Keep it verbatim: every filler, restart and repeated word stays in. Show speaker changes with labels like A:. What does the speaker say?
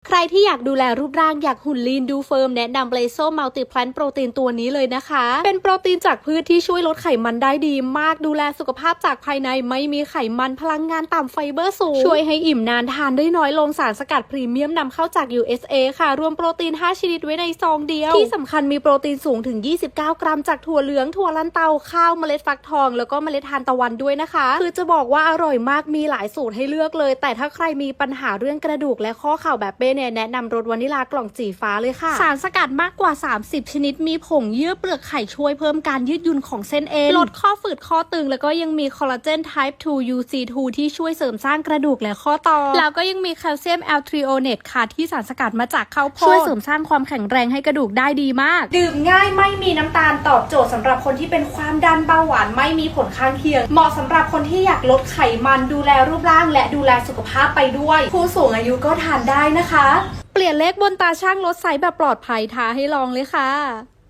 A: ใครที่อยากดูแลรูปร่างอยากหุ่นลีนดูเฟิร์มแนะนำเบลโซมัลติแพลนโปรตีนตัวนี้เลยนะคะเป็นโปรตีนจากพืชที่ช่วยลดไขมันได้ดีมากดูแลสุขภาพจากภายในไม่มีไขมันพลังงานต่ำไฟเบอร์สูงช่วยให้อิ่มนานทานได้น้อยลงสารสกัดพรีเมียมนำเข้าจาก ยู เอส เอ ค่ะรวมโปรตีนห้าชนิดไว้ในซองเดียวที่สำคัญมีโปรตีนสูงถึงยี่สิบเก้ากรัมจากถั่วเหลืองถั่วลันเตาข้าวเมล็ดฟักทองแล้วก็เมล็ดทานตะวันด้วยนะคะคือจะบอกว่าอร่อยมากมีหลายสูตรให้เลือกเลยแต่ถ้าใครมีปัญหาเรื่องกระดูกและข้อเข่าแบบเป้เนี่ยแนะนำรสวานิลากล่องสีฟ้าเลยค่ะสารสกัดมากกว่าสามสิบชนิดมีผงเยื่อเปลือกไข่ช่วยเพิ่มการยืดหยุ่นของเส้นเอ็นลดข้อฝืดข้อตึงแล้วก็ยังมีคอลลาเจน ไทป์ ทู ยู ซี ทู ที่ช่วยเสริมสร้างกระดูกและข้อต่อแล้วก็ยังมีแคลเซียมแอลทริโอเนตค่ะที่สารสกัดมาจากข้าวโพดช่วยเสริมสร้างความแข็งแรงให้กระดูกได้ดีมากดื่มง่ายไม่มีน้ำตาลตอบโจทย์สำหรับคนที่เป็นความดันเบาหวานไม่มีผลข้างเคียงเหมาะสำหรับคนที่อยากลดไขมันดูแลรูปร่างและดูแลสุขภาพไปด้วยผู้สูงอายุก็ทานได้นะคะเปลี่ยนเลขบนตาช่างลดไซส์แบบปลอดภัยท้าให้ลองเลยค่ะ